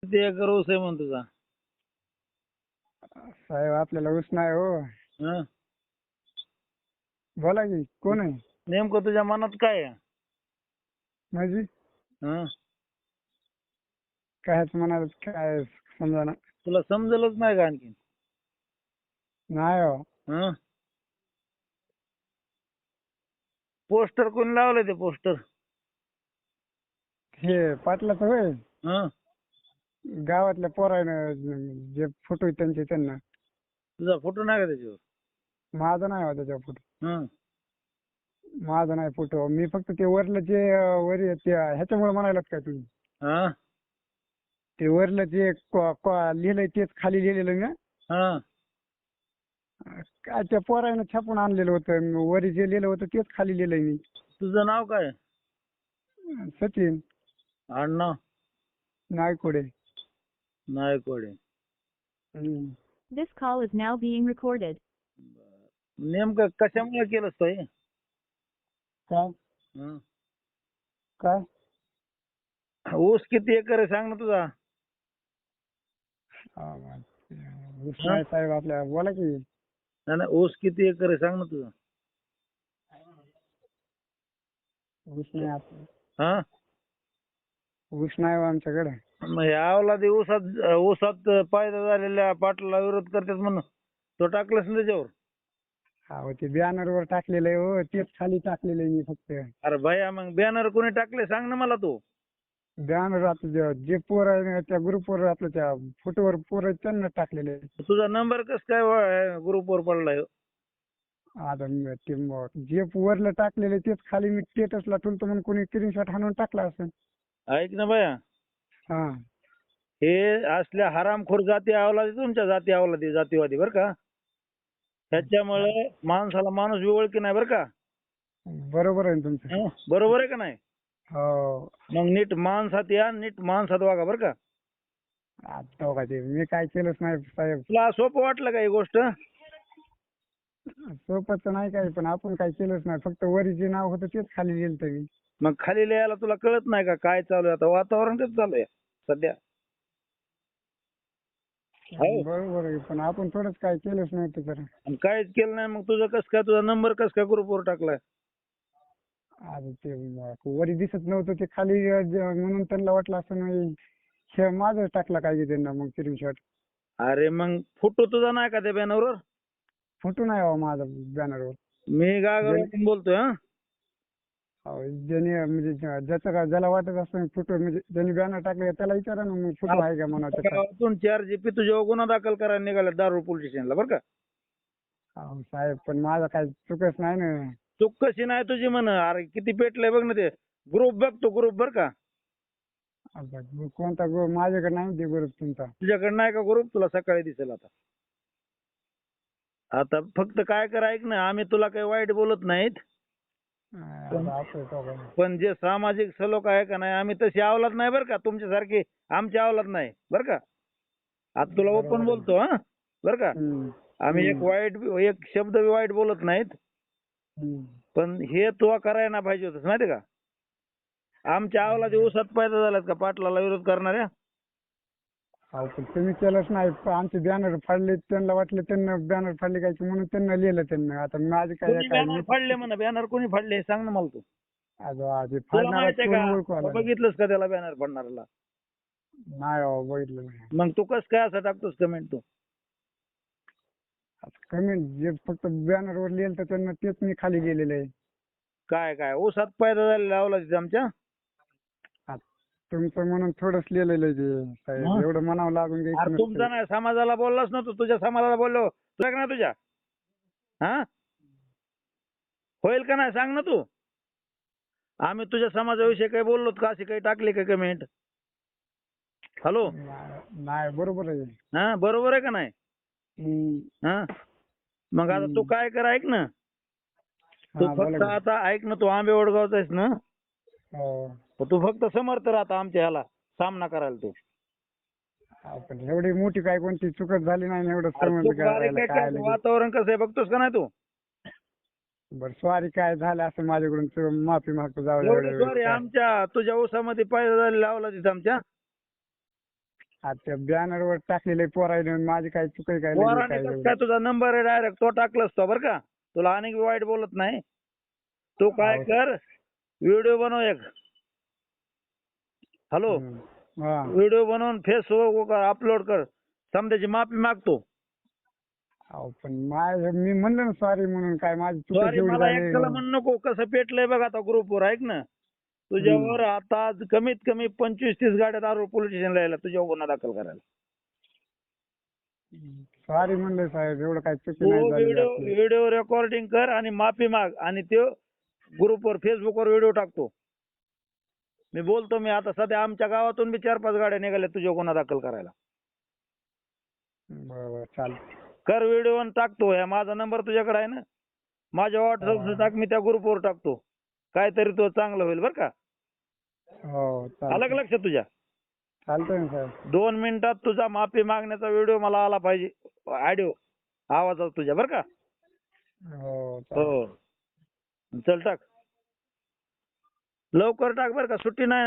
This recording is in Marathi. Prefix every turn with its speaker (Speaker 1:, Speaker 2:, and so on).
Speaker 1: किती एकर ऊस आहे म्हणतो तुझा?
Speaker 2: साहेब आपल्याला ऊस नाही हो.
Speaker 1: हं?
Speaker 2: बोला की कोण आहे?
Speaker 1: नेमकं तुझ्या मनात काय आहे?
Speaker 2: माझी
Speaker 1: हं?
Speaker 2: कायच म्हणाल काय समजा
Speaker 1: तुला समजलंच नाही का आणखी?
Speaker 2: नाही हो.
Speaker 1: हं? पोस्टर कोणी लावलंय ते पोस्टर?
Speaker 2: हे पाटलाच होय.
Speaker 1: हं?
Speaker 2: गावातल्या पोरानं जे फोटो आहेत त्यांचे त्यांना.
Speaker 1: तुझा फोटो नाही का त्याच्यावर?
Speaker 2: माझा नाही हो त्याच्या फोटो.
Speaker 1: हं?
Speaker 2: माझा नाही फोटो. मी फक्त ते वरलं जे वर ते ह्याच्यामुळे म्हणायलात काय तुम्ही?
Speaker 1: हं?
Speaker 2: ते वरलं जे लिहिलंय तेच खाली लिहिलेलं ना.
Speaker 1: हं?
Speaker 2: काय त्या पोरानं छापून आणलेलं होतं. वरी जे लिहिलं होतं तेच खाली लिहिलंय मी.
Speaker 1: तुझं नाव काय?
Speaker 2: सचिन
Speaker 1: आडनाव?
Speaker 2: नायकोडे.
Speaker 1: नायकवाडे.
Speaker 2: हम्म.
Speaker 3: This call is now being recorded.
Speaker 1: नेमकं कशामुळे केलंस तो हे?
Speaker 2: काय
Speaker 1: हं?
Speaker 2: काय
Speaker 1: ऊस किती एकर आहे सांग ना तुझा?
Speaker 2: ऊस नाही साहेब आपल्या. बोला की.
Speaker 1: नाही नाही, ऊस किती एकर आहे सांग ना तुझा?
Speaker 2: ऊस नाही आपलं.
Speaker 1: हा?
Speaker 2: ऊस नाही हो आमच्याकडे.
Speaker 1: मग ह्या अवलादी ऊसात फायदा झालेल्या पाटलाला विरोध करतात म्हणून तो टाकलास ना त्याच्यावर?
Speaker 2: हो ते बॅनर वर टाकलेलं आहे हो. तेच खाली टाकलेलं आहे मी फक्त.
Speaker 1: अरे भैया मग बॅनर कोणी टाकले सांग ना मला तू.
Speaker 2: बॅनर आता जे पोर आहे ना त्या ग्रुपवर आपल्या त्या फोटोवर पोर आहेत त्यांना टाकलेले आहे.
Speaker 1: तुझा नंबर कस काय ग्रुपवर पडलाय?
Speaker 2: आता जे वरलं टाकलेलं तेच खाली मी स्टेटसला ठेवतो म्हणून कोणी स्क्रीनशॉट हाणून टाकला असेल.
Speaker 1: ऐक ना भैया,
Speaker 2: हा
Speaker 1: हे असल्या हरामखोर जाती अवलादी तुमच्या जाती अवलादी जातीवादी बरं का. त्याच्यामुळे माणसाला माणूस ओळखी नाही बरं का.
Speaker 2: बरोबर आहे ना तुमचं.
Speaker 1: हं? बरोबर आहे का नाही?
Speaker 2: हो
Speaker 1: मग नीट माणसात या, नीट माणसात वागा बरं का.
Speaker 2: आता हो का ते मी काय केलंच नाही साहेब.
Speaker 1: तुला सोपं वाटलं का ही गोष्ट?
Speaker 2: सोपंच नाही काय पण आपण काय केलंच नाही. फक्त वरी जे नाव होतं तेच खाली लिहिलं मी.
Speaker 1: मग खाली लिहायला तुला कळत नाही का काय चालू आहे आता? वातावरण कसं चालू आहे सध्या? हो.
Speaker 2: बरोबर आहे पण आपण थोडंच काय केलंच नव्हतं तर.
Speaker 1: आणि काहीच केलं नाही मग तुझं कसं काय, तुझा नंबर कसं काय ग्रुपवर टाकलाय?
Speaker 2: आता ते वरी दिसत नव्हतं ते खाली म्हणून त्यांना वाटलं असं नाही हे माझं टाकला काय की त्यांना मग स्क्रीनशॉट.
Speaker 1: अरे मग फोटो तुझा नाही का त्या बॅनरवर?
Speaker 2: फोटो नाही हो माझा बॅनरवर.
Speaker 1: मी गागावरून बोलतोय. हा?
Speaker 2: ज्याने म्हणजे ज्याला वाटत असतं फोटो म्हणजे ज्यांनी बॅनर टाकले त्याला विचारा ना मग फोटो आहे का म्हणा त्याचा.
Speaker 1: गावातून 4 जीपी तुझ्यावर गुन्हा दाखल करायला निघाला दारू पोलीस स्टेशनला बरं का.
Speaker 2: अहो साहेब पण माझा काय चुकच नाही ना.
Speaker 1: चूक कशी नाही तुझी म्हण? अरे किती पेटलंय बघ ना ते. ग्रुप बघतो ग्रुप बरं का.
Speaker 2: आता कोणता माझ्याकडे नाही ते ग्रुप तुमचा.
Speaker 1: तुझ्याकडे नाही का ग्रुप? तुला सकाळी दिसेल आता. आता फक्त काय कर ऐक ना, आम्ही तुला काही वाईट बोलत नाहीत.
Speaker 2: आता असं आहे का?
Speaker 1: पण जे सामाजिक सलोख आहे का नाही, आम्ही तशी अवलाद नाही बरं का, तुमच्यासारखी आमची अवलाद नाही बरं का. आता तुला ओपन बोलतो हा बरं का. आम्ही एक शब्द बी वाईट बोलत नाहीत. पण हे तू करायला नाही पाहिजे होतंस माहिती का. आमच्या अवलादी ऊसात पैदा झाल्यात का पाटलाला विरोध करणाऱ्या?
Speaker 2: अहो पण तुम्ही केलंच नाही. आमचे बॅनर फाडले त्यांना वाटलं त्यांना बॅनर फाडले काय म्हणून त्यांना लिहिलं त्यांना. आता माझे काय
Speaker 1: कोणी बॅनर फाडले म्हणा? बॅनर कोणी फाडले सांग ना मला तू.
Speaker 2: आधी
Speaker 1: तुला
Speaker 2: फाडणारा
Speaker 1: माहित आहे
Speaker 2: कोण ओळखू
Speaker 1: का?
Speaker 2: आला
Speaker 1: बघितलंस का त्याला बॅनर फाडणाऱ्याला?
Speaker 2: नाही हो बघितलं नाही.
Speaker 1: मग तू कसं काय असं टाकतोस कमेंट तू?
Speaker 2: कमेंट जे फक्त बॅनरवर लिहिलं तर त्यांना तेच मी खाली लिहिलेलं आहे.
Speaker 1: काय काय ऊसात पैदा झालेला अवलादीत आमच्या?
Speaker 2: तुमचं म्हणून थोडंच लिहिलेलं आहे ते साहेब.
Speaker 1: हं?
Speaker 2: एवढं म्हणावं लागून
Speaker 1: अरे
Speaker 2: घ्यायचं
Speaker 1: तुमचा
Speaker 2: नसतं.
Speaker 1: नाही, समाजाला बोललास ना तू. तुझ्या समाजाला बोललो तुला का नाही तुझ्या? हा? होईल का नाही सांग ना तू. आम्ही तुझ्या समाजाविषयी काही बोललो का? अशी काही टाकली का कमेंट? हॅलो.
Speaker 2: नाही बरोबर आहे.
Speaker 1: हा बरोबर आहे का नाही? हा मग आता तू काय कर ऐक ना. तू
Speaker 2: हा,
Speaker 1: फक्त
Speaker 2: बोला की.
Speaker 1: आता ऐक ना, तू आंबे वडगावचा आहेस ना.
Speaker 2: हो.
Speaker 1: तू फक्त समर्थ राहता आमच्या ह्याला सामना करायला तू.
Speaker 2: पण एवढी मोठी काय कोणती चुकत झाली नाही ना एवढं
Speaker 1: अरे
Speaker 2: समज
Speaker 1: चूक बारीक आहे
Speaker 2: काय
Speaker 1: का? वातावरण कसं आहे बघतोस का नाही तू?
Speaker 2: बरं सॉरी काय झालं असं माझ्याकडून माफी मागतो. जाऊ
Speaker 1: एवढी सॉरी. आमच्या तुझ्या ऊसामध्ये पैदा झालेला अवलादीत आमच्या.
Speaker 2: आता त्या बॅनरवर टाकलेले पोरायने माझी काय चुक आहे काय लगेच
Speaker 1: पोराने
Speaker 2: काय
Speaker 1: कसं
Speaker 2: एवढं?
Speaker 1: काय तुझा नंबर आहे डायरेक्ट तो टाकलास तो बरं का. तुला अनेक वाईट बोलत नाही. तू काय
Speaker 2: हो.
Speaker 1: कर व्हिडिओ बनव एक. हॅलो,
Speaker 2: हम्म. हा.
Speaker 1: व्हिडिओ बनवून फेसबुक अपलोड कर. समजायची माफी मागतो.
Speaker 2: अहो पण मी म्हणलं ना सॉरी म्हणून, काय माझी चूक
Speaker 1: सॉरी
Speaker 2: एवढी
Speaker 1: मला
Speaker 2: झाली.
Speaker 1: एकट्याला म्हणू नको. कसं पेटलंय बघ आता ग्रुपवर ऐक ना. तुझ्यावर आता कमीत कमी 25-30 गाड्या दारू पोलीस स्टेशनला यायला तुझ्यावर गुन्हा दाखल करायला.
Speaker 2: सॉरी म्हणलं साहेब, एवढं काय चुकी
Speaker 1: तू
Speaker 2: नाही झाली
Speaker 1: व्हिडिओ
Speaker 2: आपली.
Speaker 1: व्हिडिओ रेकॉर्डिंग कर आणि माफी माग आणि तो ग्रुपवर फेसबुकवर व्हिडिओ टाकतो. मी बोलतो मी आता सध्या आमच्या गावातून बी 4-5 गाड्या निघाल्या तुझ्या गुन्हा दाखल करायला.
Speaker 2: बरोबर चालतं.
Speaker 1: कर व्हिडिओ आणि टाकतो. ह्या माझा नंबर तुझ्याकडे आहे ना. माझ्या व्हॉट्सअपला टाक, मी त्या ग्रुपवर टाकतो. काहीतरी तो चांगलं होईल बरं का.
Speaker 2: हो
Speaker 1: आलं
Speaker 2: चालतं.
Speaker 1: का लक्षात तुझ्या?
Speaker 2: चालतंय ना साहेब.
Speaker 1: 2 मिनिटात तुझा माफी मागण्याचा व्हिडिओ मला आला पाहिजे. ऑडिओ आवाजात तुझ्या बरं का.
Speaker 2: हो चालतं.
Speaker 1: हो चल टाक. लवकर टाक बरं का, सुट्टी नाही.